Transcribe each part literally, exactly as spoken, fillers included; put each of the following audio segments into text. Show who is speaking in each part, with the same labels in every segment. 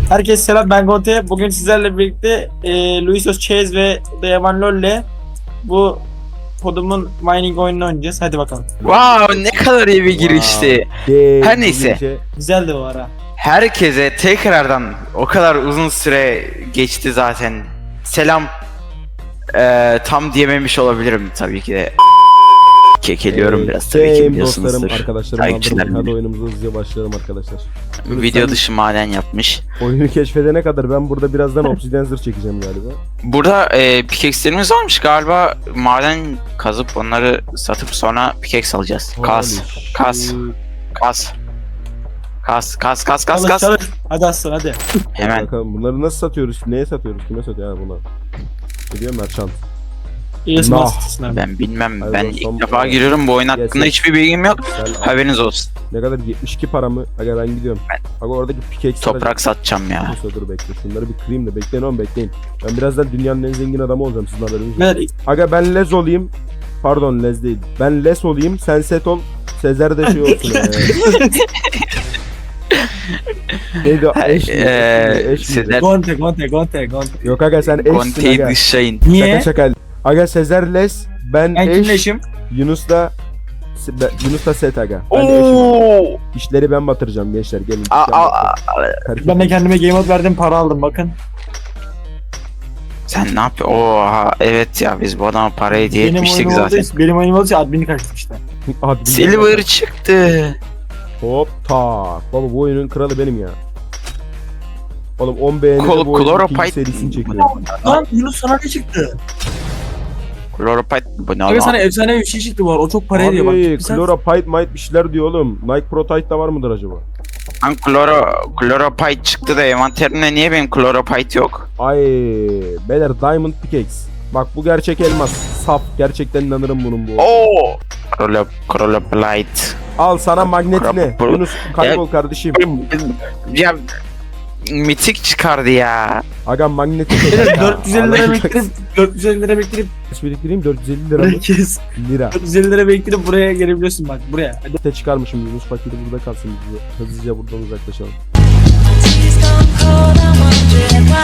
Speaker 1: Herkese selam, ben Gonte. Bugün sizlerle birlikte e, Luisos Chase ve Dayaman Lol'le bu kodumun mining oyununu oynayacağız. Hadi bakalım.
Speaker 2: Wow, ne kadar iyi bir girişti.
Speaker 3: Wow.
Speaker 2: Her neyse.
Speaker 1: Güzeldi bu ara.
Speaker 2: Herkese tekrardan o kadar uzun süre geçti zaten. Selam. Ee, tam diyememiş olabilirim tabii ki de. Kekeliyorum
Speaker 3: Ee,
Speaker 2: biraz tabii ki
Speaker 3: Dostlarım,
Speaker 2: biliyorsunuzdur.
Speaker 3: arkadaşlarım
Speaker 2: Takipçilerim
Speaker 3: aldırmayın. Hadi
Speaker 2: benim.
Speaker 3: oyunumuza hızlıca başlayalım arkadaşlar.
Speaker 2: Video
Speaker 3: Sen
Speaker 2: dışı maden yapmış.
Speaker 3: oyunu keşfedene kadar ben burada birazdan Obsidian zırh çekeceğim galiba.
Speaker 2: Burada e, pickaxe'lerimiz varmış galiba. Maden kazıp onları satıp sonra pickaxe alacağız. Kas,
Speaker 3: Holy
Speaker 2: kas,
Speaker 3: shit.
Speaker 2: kas. Kas, kas, kas, kas,
Speaker 1: Çalış,
Speaker 2: kas.
Speaker 1: çalış. Hadi aslan hadi.
Speaker 2: Hemen.
Speaker 3: Bakalım bunları nasıl satıyoruz? Neye satıyoruz? Kime satıyor? Ha buna. Gidiyor merchant.
Speaker 1: İyi
Speaker 3: Nah.
Speaker 1: smartsın abi.
Speaker 2: Ben bilmem.
Speaker 3: Hadi
Speaker 2: ben
Speaker 3: dostum,
Speaker 2: ilk defa
Speaker 3: evet.
Speaker 2: giriyorum. Bu oyun hakkında
Speaker 3: Yes,
Speaker 2: hiçbir bilgim yok.
Speaker 3: Sen
Speaker 2: Haberiniz olsun.
Speaker 3: ne kadar yetmiş iki para mı? Aga ben gidiyorum. Aga oradaki pickaxe
Speaker 2: Toprak satacağım ya.
Speaker 3: Neyse dur bekle. Şunları bir kırayım da bekleyin oğlum bekleyin. Ben birazdan dünyanın en zengin adamı olacağım sizin haberiniz yok.
Speaker 1: Ver,
Speaker 3: Aga ben lez olayım. Pardon lez değil. Ben les olayım. Sen set ol. Sezer de şey olsun. ee. Neydi o? Eş mi?
Speaker 2: Eee,
Speaker 3: Eş mi?
Speaker 2: Sezer
Speaker 1: Gonte, Gonte, Gonte, Gonte.
Speaker 3: Yok aga sen eşsin
Speaker 2: Conte'yi
Speaker 3: aga.
Speaker 2: dışlayın.
Speaker 1: Niye?
Speaker 3: Şaka şaka. Aga Sezer les. Ben,
Speaker 1: Ben
Speaker 3: eş.
Speaker 1: kimle eşim?
Speaker 3: Yunus da ben- Yunus da set aga. Ben de eşim.
Speaker 2: Oo!
Speaker 3: İşleri ben batıracağım gençler. Gelin.
Speaker 2: Aa,
Speaker 3: İşler
Speaker 2: aa,
Speaker 3: batırın.
Speaker 2: aa.
Speaker 3: Karışık.
Speaker 1: Ben de kendime game out verdim, para aldım bakın.
Speaker 2: Sen ne yapıyorsun? Oha evet ya biz bu adama para hediye
Speaker 1: Benim
Speaker 2: etmiştik
Speaker 1: oyunum olduğu
Speaker 2: zaten.
Speaker 1: için, benim oyunum olduğu için adminlik açtık işte.
Speaker 3: Hadi bir
Speaker 2: Silver
Speaker 3: bakalım.
Speaker 2: çıktı.
Speaker 3: Hop tak. Baba bu oyunun kralı benim ya. Oğlum on beğenide
Speaker 2: Kol-
Speaker 3: bu oyunun ikinci
Speaker 2: Chloropite-
Speaker 3: serisini çekiyor.
Speaker 1: Lan Yunus sana ne çıktı?
Speaker 2: Chloropite bu ne
Speaker 1: Abi
Speaker 2: lan?
Speaker 1: sana efsane bir şey çıktı var. O çok para ediyor bak.
Speaker 3: Abi
Speaker 1: Sen-
Speaker 3: Chloropite might bir şeyler diyor oğlum. Nike Protite da var mıdır acaba?
Speaker 2: Lan Chloro, Chloropite çıktı da envanterimde niye benim Chloropite yok?
Speaker 3: Ay beyler Diamond Pickaxe. Bak bu gerçek elmas. Saf. Gerçekten inanırım bunun bu.
Speaker 2: Oo! Chloro, Chloropite.
Speaker 3: Al sana magnetine.
Speaker 2: Pro-
Speaker 3: Yunus kaybol kardeşim.
Speaker 2: Ya mitik çıkardı ya.
Speaker 3: Aga magneti.
Speaker 1: Beyler, dört yüz elli lira biriktirip dört yüz elli lira biriktirip
Speaker 3: Kaç biriktireyim? dört yüz elli lira mı?
Speaker 1: herkes
Speaker 3: Lira.
Speaker 1: dört yüz elli lira biriktirip buraya gelebiliyorsun bak buraya. Hadi.
Speaker 3: Te çıkarmışım Yunus paketi burada kalsın. Biz hızlıca buradan uzaklaşalım.
Speaker 4: Tears gone cold, I'm wondering why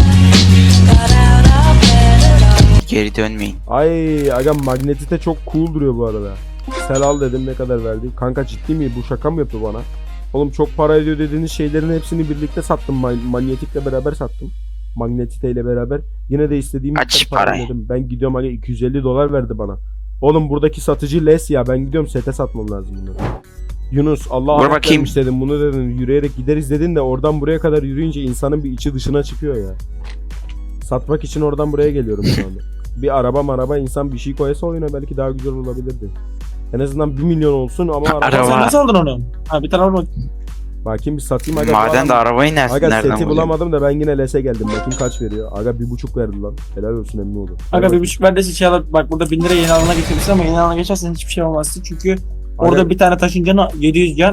Speaker 4: I got out of bed at all.
Speaker 2: Geri dönmeyin.
Speaker 3: Ay aga magnetite çok cool duruyor bu arada. Sel al dedim ne kadar verdi? Kanka ciddi mi? Bu şaka mı yapıyor bana? Oğlum çok para ediyor dediğiniz şeylerin hepsini birlikte sattım. Man- manyetikle beraber sattım. Magnetite ile beraber. Yine de istediğim
Speaker 2: Kaç
Speaker 3: miktar para
Speaker 2: parayı?
Speaker 3: ödedim. Ben gidiyorum aga iki yüz elli dolar verdi bana. Oğlum buradaki satıcı les ya. Ben gidiyorum sete satmam lazım bunları. Yunus Allah
Speaker 2: Dur
Speaker 3: Allah
Speaker 2: bakayım.
Speaker 3: vermiş dedim bunu dedin yürüyerek gideriz dedin de oradan buraya kadar yürüyünce insanın bir içi dışına çıkıyor ya. Satmak için oradan buraya geliyorum şu anda. Bir araba maraba insan bir şey koysa oyuna belki daha güzel olabilirdi. En azından bir milyon olsun ama araba...
Speaker 2: Araba.
Speaker 1: Sen nasıl aldın onu? Ha bir tane al bak.
Speaker 3: Bakayım bir satayım aga.
Speaker 2: Maden de arabayı nereden,
Speaker 3: Aga
Speaker 2: nereden
Speaker 3: seti
Speaker 2: bulacağım?
Speaker 3: bulamadım da ben yine lese geldim. Bakayım kaç veriyor. Aga bir buçuk verdi lan. Helal olsun emmi oldu.
Speaker 1: Aga bir buçuk bende şey alıp bak burada bin lira yeni alana geçebilirsin ama yeni alana geçersen hiçbir şey olmazsın çünkü orada
Speaker 3: Aga-
Speaker 1: bir tane taşın canı yedi yüz can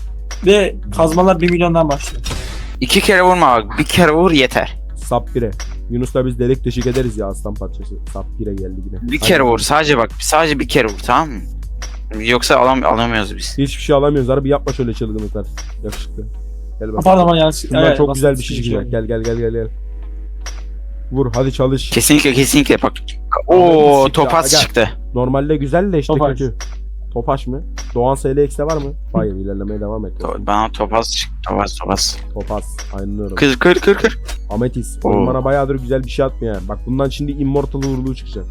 Speaker 1: ve kazmalar bir milyondan başlıyor.
Speaker 2: İki kere vurma bak. Bir kere vur yeter.
Speaker 3: Sap bire. Yunus'la biz delik deşik ederiz ya aslan parçası. Sap bire geldi yine.
Speaker 2: Bir kere
Speaker 3: Hadi.
Speaker 2: vur. Sadece bak. Sadece bir kere vur tamam mı? Yoksa alam alamıyoruz biz.
Speaker 3: Hiçbir şey alamıyoruz. Harbi yapma şöyle çılgınlıklar. Yakışıklı. Gel
Speaker 1: Ha,
Speaker 3: bak.
Speaker 1: Pardon bana yanlış.
Speaker 3: Şundan
Speaker 1: Evet,
Speaker 3: çok
Speaker 1: basit
Speaker 3: güzel bir şey çıkacak.
Speaker 1: oldu.
Speaker 3: Gel gel gel gel gel. Vur hadi çalış.
Speaker 2: Kesinlikle kesinlikle bak.
Speaker 3: Anladın
Speaker 2: Oo
Speaker 3: mı?
Speaker 2: topaz
Speaker 3: Aga.
Speaker 2: çıktı.
Speaker 3: Normalde güzel de işte
Speaker 1: Topaş.
Speaker 3: kötü. Topaş mı? Doğan S L X'te var mı? Hayır ilerlemeye devam et.
Speaker 2: To- Bana topaz çıktı. Topaz topaz.
Speaker 3: Topaz. Aynen öyle.
Speaker 2: Kır kır kır kır.
Speaker 3: Ametis.
Speaker 2: Oo.
Speaker 3: Oyun bana bayağıdır güzel bir şey atmıyor yani. Bak bundan şimdi Immortal uğurluğu çıkacak.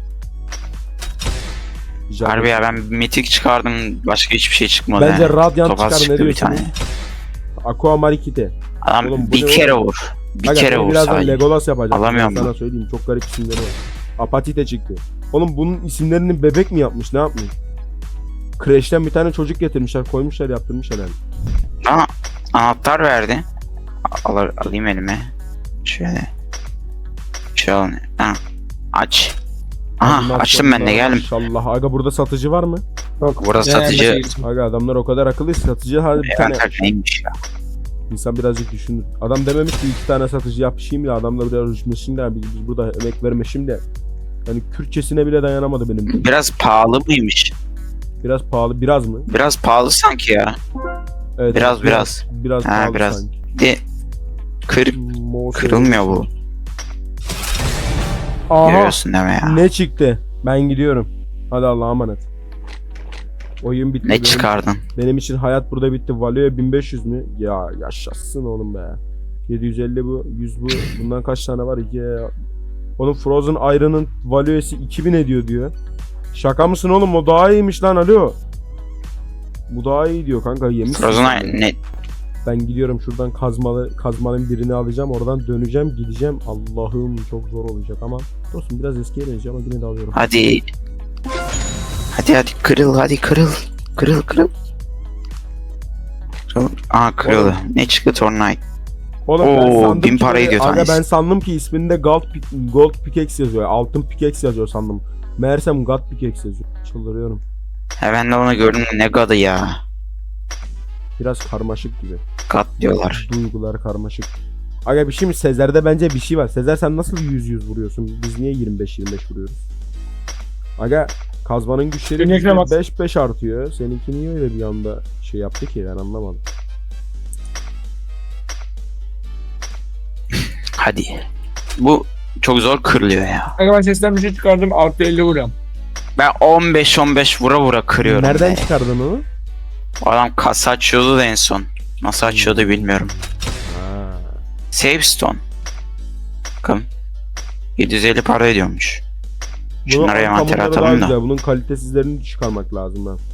Speaker 3: Güzel.
Speaker 2: Harbi ya ben mitik çıkardım. Başka hiçbir şey çıkmadı.
Speaker 3: Bence
Speaker 2: yani.
Speaker 3: Radiant
Speaker 2: Topaz
Speaker 3: çıkar ne
Speaker 2: çıktı bir
Speaker 3: diyorsun?
Speaker 2: tane.
Speaker 3: Aqua Marikite.
Speaker 2: Adam
Speaker 3: Oğlum bu
Speaker 2: bir
Speaker 3: ne
Speaker 2: kere
Speaker 3: oğlum?
Speaker 2: vur. Bir
Speaker 3: Aga,
Speaker 2: kere
Speaker 3: seni
Speaker 2: vur
Speaker 3: birazdan
Speaker 2: sadece.
Speaker 3: Legolas yapacak.
Speaker 2: Alamıyorum
Speaker 3: Ben sana söyleyeyim çok garip isimleri var. Apatite çıktı. Oğlum bunun isimlerini bebek mi yapmış ne yapmış? Crash'ten bir tane çocuk getirmişler koymuşlar yaptırmışlar yani.
Speaker 2: Bana anahtar verdi. Al, alayım elime. Şöyle. Şöyle. Ha. Aç. Aha
Speaker 3: Maşallah,
Speaker 2: açtım ben de geldim.
Speaker 3: Maşallah. Aga burada satıcı var mı?
Speaker 1: Yok.
Speaker 2: Burada
Speaker 1: Yani
Speaker 2: satıcı.
Speaker 1: mesela geçtim.
Speaker 3: Aga adamlar o kadar akıllı satıcı hadi bir tane.
Speaker 2: Envanter neymiş ya?
Speaker 3: İnsan birazcık düşünür. Adam dememiş ki iki tane satıcı yapışayım ya adam da biraz rüşmesin de biz, biz burada emek vermişim de. Yani Kürtçesine bile dayanamadı benim.
Speaker 2: Biraz pahalı mıymış?
Speaker 3: Biraz pahalı biraz mı?
Speaker 2: Biraz pahalı sanki ya.
Speaker 3: Evet.
Speaker 2: Biraz, biraz.
Speaker 3: Biraz
Speaker 2: Ha,
Speaker 3: pahalı
Speaker 2: biraz.
Speaker 3: sanki.
Speaker 2: De Kır,
Speaker 3: Mouse
Speaker 2: kırılmıyor bu.
Speaker 3: Aha.
Speaker 2: Görüyorsun deme ya.
Speaker 3: Ne çıktı? Ben gidiyorum. Hadi Allah'a emanet. Oyun bitti.
Speaker 2: Ne
Speaker 3: benim,
Speaker 2: çıkardın?
Speaker 3: benim için hayat burada bitti. Valio'ya bin beş yüz mü? Ya yaşasın oğlum be. yedi yüz elli bu, yüz bu. Bundan kaç tane var? İki. Oğlum Frozen Iron'ın Valio'si iki bin ediyor diyor. Şaka mısın oğlum? O daha iyiymiş lan, alo. Bu daha iyi diyor kanka, yemişsin.
Speaker 2: Frozen
Speaker 3: sen de.
Speaker 2: ne?
Speaker 3: Ben gidiyorum şuradan kazmalı kazmanın birini alacağım. Oradan döneceğim, gideceğim. Allah'ım çok zor olacak ama. Dostum biraz eskiye benziyor ama yine de alıyorum.
Speaker 2: Hadi. Hadi hadi kırıl hadi kırıl. Kırıl kırıl. Kırıl. Aa kırıldı. Ne çıktı Tornite?
Speaker 3: Oğlum ben
Speaker 2: Oo,
Speaker 3: sandım
Speaker 2: bin
Speaker 3: ki
Speaker 2: para
Speaker 3: böyle-
Speaker 2: ediyor
Speaker 3: aga
Speaker 2: tanesi.
Speaker 3: ben sandım ki isminde gold, pick- gold pickaxe yazıyor. Altın pickaxe yazıyor sandım. Meğersem god pickaxe yazıyor. Çıldırıyorum.
Speaker 2: He ben de onu gördüm ne gadı ya.
Speaker 3: Biraz karmaşık gibi.
Speaker 2: Gat diyorlar.
Speaker 3: Duygular karmaşık. Aga bir şey mi? Sezer'de bence bir şey var. Sezer sen nasıl yüz yüz vuruyorsun? Biz niye yirmi beş yirmi beş vuruyoruz? Aga kazmanın güçleri
Speaker 1: Benim ekran bas-
Speaker 3: beş beş artıyor. Seninki niye öyle bir anda şey yaptı ki, ben anlamadım.
Speaker 2: Hadi. Bu çok zor kırılıyor ya.
Speaker 1: Aga ben sesten bir şey çıkardım. Artı elli vuruyorum.
Speaker 2: Ben on beş on beş vura vura kırıyorum.
Speaker 3: Nereden
Speaker 2: be.
Speaker 3: çıkardın onu?
Speaker 2: O adam kasa açıyordu da en son. Nasıl açıyordu bilmiyorum.
Speaker 3: Ha.
Speaker 2: Save stone. Bakın. yedi yüz elli para ediyormuş. Şunları
Speaker 3: Bunun
Speaker 2: envantere
Speaker 3: ankamları daha
Speaker 2: atalım da.
Speaker 3: güzel. Bunun kalitesizlerini çıkarmak lazım ben.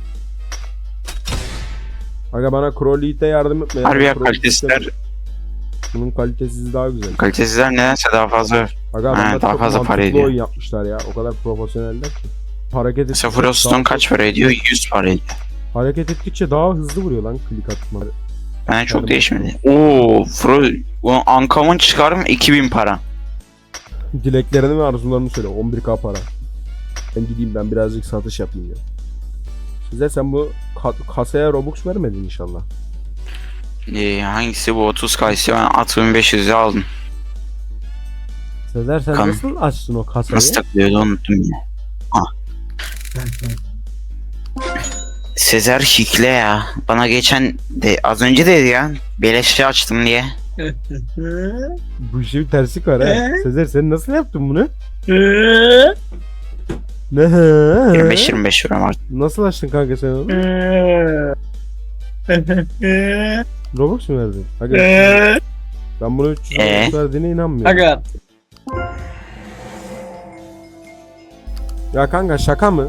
Speaker 3: Aga bana Crowley'de yardım etme. ya.
Speaker 2: Harbi ya
Speaker 3: Crowley
Speaker 2: kalitesizler,
Speaker 3: istemem. Bunun kalitesiz daha güzel.
Speaker 2: kalitesizler nedense daha fazla.
Speaker 3: Aga
Speaker 2: Ha,
Speaker 3: adamlar
Speaker 2: daha
Speaker 3: çok
Speaker 2: fazla para
Speaker 3: mantıklı
Speaker 2: ediyor.
Speaker 3: oyun yapmışlar ya. O kadar profesyoneller ki. Hareket
Speaker 2: Mesela
Speaker 3: ettikçe
Speaker 2: Froststone
Speaker 3: daha-
Speaker 2: kaç para ediyor? yüz para ediyor.
Speaker 3: Hareket ettikçe daha hızlı vuruyor lan klik atmaları.
Speaker 2: Bence çok
Speaker 3: Hadi
Speaker 2: değişmedi. Oo, Fro o Uncommon çıkarım iki bin para.
Speaker 3: Dileklerini ve arzularını söyle. on bir k para. Ben gideyim, ben birazcık satış yapayım ya. Size sen bu ka- kasaya Robux vermedin inşallah.
Speaker 2: Ee, hangisi bu otuz kayısı ben altı bin beş yüz'e aldım.
Speaker 3: Sezer sen
Speaker 2: Kan-
Speaker 3: nasıl açtın o kasayı?
Speaker 2: Nasıl takılıyordu unuttum yine. Ah. Sezer hikle ya. Bana geçen de az önce dedi ya. Beleşe açtım diye.
Speaker 3: Bu işin tersi kar ha.
Speaker 1: Ee?
Speaker 3: Sezer sen nasıl yaptın bunu?
Speaker 1: Eee?
Speaker 3: Ne?
Speaker 2: yirmi beş yirmi beş euro artık.
Speaker 3: Nasıl açtın kanka sen onu?
Speaker 1: Eee? Eee?
Speaker 3: Robux mu verdin? Aga,
Speaker 1: Eee?
Speaker 3: ben bunu üç yüz
Speaker 2: Ee?
Speaker 3: Robux verdiğine inanmıyorum.
Speaker 1: Aga
Speaker 3: Ya kanka şaka mı?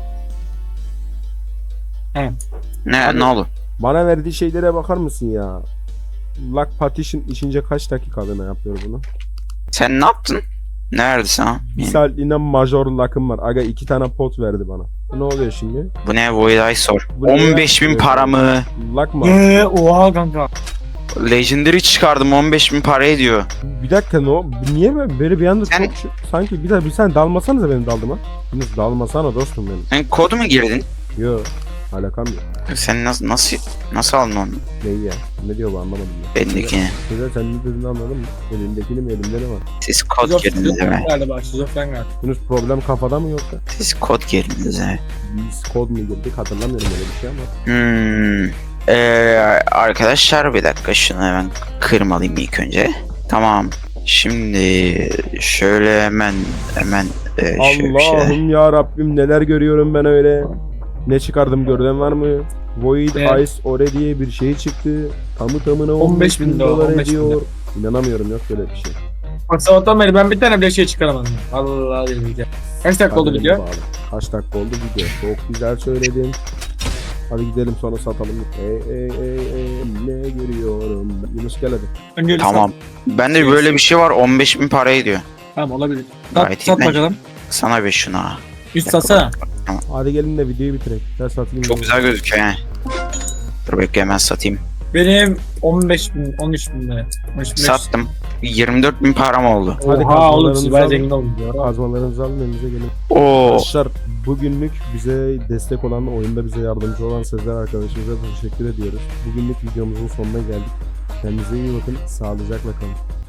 Speaker 2: Ne
Speaker 3: Abi-
Speaker 2: ne oldu?
Speaker 3: Bana verdiği şeylere bakar mısın ya? Lock partition içince kaç dakikalığına yapıyor bunu?
Speaker 2: Sen ne yaptın? Ne verdi sana?
Speaker 3: Bir saatliğine major lock'ım var. Aga iki tane pot verdi bana. Ne oluyor şimdi?
Speaker 2: Bu ne? Void sor.
Speaker 3: Bu ne
Speaker 2: on beş bin
Speaker 3: ya?
Speaker 2: para mı?
Speaker 3: Lock mı?
Speaker 1: Eee? Oha kanka.
Speaker 2: Legendary çıkardım on beş bin para ediyor.
Speaker 3: Bir dakika ne o? Niye böyle, böyle bir anda
Speaker 2: Sen-
Speaker 3: çok şu- sanki bir daha bir sen dalmasanıza benim daldıma. Yunus dalmasana dostum benim.
Speaker 2: Sen kod mu girdin?
Speaker 3: Yo alakam yok.
Speaker 2: Sen nasıl nasıl nasıl aldın onu?
Speaker 3: Neyi ya? Ne diyor bu, anlamadım ya.
Speaker 2: Bendekini.
Speaker 3: Güzel, sen ne dediğini anladın mı? Elimdekini mi, elimde ne var?
Speaker 2: Siz kod girdiniz değil mi?
Speaker 1: Galiba şizofren galiba.
Speaker 3: Yunus problem kafada mı yoksa?
Speaker 2: Siz kod girdiniz evet.
Speaker 3: Biz kod mu girdik hatırlamıyorum öyle bir şey ama.
Speaker 2: Hmm. Ee, arkadaşlar bir dakika şunu hemen kırmalıyım ilk önce. Tamam. Şimdi şöyle hemen hemen e, şöyle bir şeyler.
Speaker 3: Allah'ım ya Rabbim neler görüyorum ben öyle. Ne çıkardım gören var mı? Void
Speaker 1: Evet.
Speaker 3: Ice Ore diye bir şey çıktı. Tamı tamına
Speaker 1: on beş bin dolar,
Speaker 3: dolar
Speaker 1: on beş bin
Speaker 3: ediyor. İnanamıyorum, yok böyle bir şey.
Speaker 1: Bak sabahtan beri ben bir tane bile şey çıkaramadım. Allah billahi. Kaç dakika oldu
Speaker 3: Kaderime
Speaker 1: video?
Speaker 3: bağlı. Kaç dakika oldu video? Çok güzel söyledin. Hadi gidelim sonra satalım. Ey ey ey ey ne görüyorum. Yunus gel hadi.
Speaker 1: Önce
Speaker 2: Tamam. Bende böyle bir şey var on beş bin para ediyor.
Speaker 1: Tamam olabilir. Sat,
Speaker 2: Gayet iyi
Speaker 1: sat
Speaker 2: bence.
Speaker 1: bakalım.
Speaker 2: Sana bir şuna.
Speaker 1: Üst satsana.
Speaker 3: Hadi gelin de videoyu bitirelim. Ben satayım.
Speaker 2: Çok güzel gözüküyor yani. Dur bekle hemen satayım.
Speaker 1: Benim on beş bin, on üç bin lira. on üç bin beş yüz.
Speaker 2: Sattım. yirmi dört bin param oldu.
Speaker 3: Hadi
Speaker 1: Oha oğlum
Speaker 3: kazmalarınızı
Speaker 1: siz bayağı
Speaker 3: alın.
Speaker 1: zengin oldunuz ya.
Speaker 3: Kazmalarınızı alın elinize gelin.
Speaker 2: Oo.
Speaker 3: Arkadaşlar bugünlük bize destek olan, oyunda bize yardımcı olan Sezer arkadaşımıza teşekkür ediyoruz. Bugünlük videomuzun sonuna geldik. Kendinize iyi bakın. Sağlıcakla kalın.